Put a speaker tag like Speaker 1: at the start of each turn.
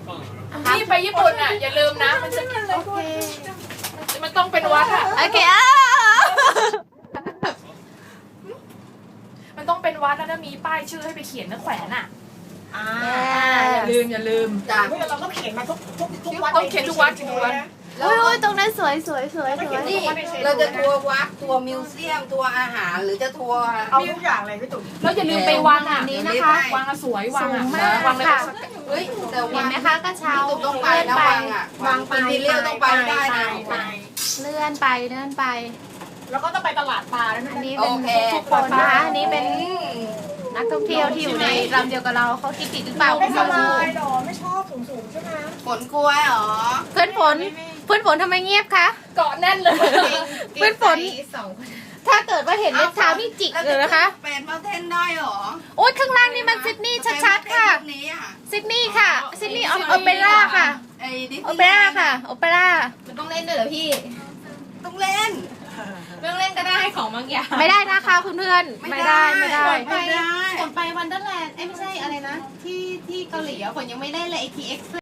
Speaker 1: ที่ไปญี่ปุ่นอ่ะอย่าลืมนะมันจะมันต้องเป็นวัดอ่ะ
Speaker 2: โอเค
Speaker 1: มันต้องเป็นวัดแล้วนะมีป้ายชื่อให้ไปเขียนนะแขวนอ่ะ
Speaker 2: อย่า
Speaker 1: ลืม
Speaker 3: จ้ะ
Speaker 4: เราก็เขียนมาทุกวัด
Speaker 1: ต้องเขียนทุกวัด
Speaker 2: อุ้ยตรงนั้นสวย
Speaker 3: นี่เราจะทัวร์วัดทัวร์มิวเซียมทัวร์อาหารหรือจะทัวร์
Speaker 4: เอาทุกอย่างเลยพี่ตุ๋ม
Speaker 1: แล้วอย่าลืมไปวังอ่ะ
Speaker 2: นี้นะคะ
Speaker 1: วังอะสวยวังอ่ะ
Speaker 2: สูงมาก
Speaker 1: วังเลย
Speaker 2: ค่ะ
Speaker 3: เฮ้ยแต่
Speaker 2: เห็
Speaker 3: วัน
Speaker 2: ไหมคะกระเช้า
Speaker 3: พี่ตุ๊กต้องไปนะวังอ่ะวังอินทีเรียลต้องไปได้นะ
Speaker 2: เลื่อนไป
Speaker 4: แล้วก็ต้องไปตลาดปลาแล้ว
Speaker 2: อั
Speaker 4: นะ
Speaker 2: นนี้เป็นทุกคนนะคะอันนี้เป็นนักท่องเที่ยวที่อยู่ในลำเดียวกับเราเขาคิดผิดหรือเปล่า
Speaker 4: ไม่สบายหรอไม่ชอบสูงใช่ไหม
Speaker 3: ฝนกลัวเหรอ
Speaker 2: เพื่อนฝนทำไมเงียบคะ
Speaker 1: เกาะแน่นเลย
Speaker 2: เพื่อนฝนถ้าเกิดว่าเห็นเล็บเท้านี่จิกเลยนะคะ
Speaker 3: เป็นเมาเทนได้เหรอ
Speaker 2: โอ๊ยข้างล่างนี่มันซิดนีย์ชัดๆค่ะ
Speaker 3: นี้อ่ะ
Speaker 2: ซิดนีย์ค่ะซิดนีย์โอเปร่าค่ะ
Speaker 3: ไอ้ดิส
Speaker 2: โอ
Speaker 3: นีย์
Speaker 2: เปร่าค่ะโอเปร่า
Speaker 5: มันต้องเล่นด้วยเหรอพี่
Speaker 3: ต้องเล่น
Speaker 5: เรื่องเล่นก็ได้ของบางอย่าง
Speaker 2: ไม่ได้นะคะคุณเพื่อนไม่ได้
Speaker 3: ไม่ได้
Speaker 5: ผมไปวันเดอร์แลนด์ไม่ใช่อะไรนะ ที่เกาหลีอะผมยังไม่เล่นเลย ATX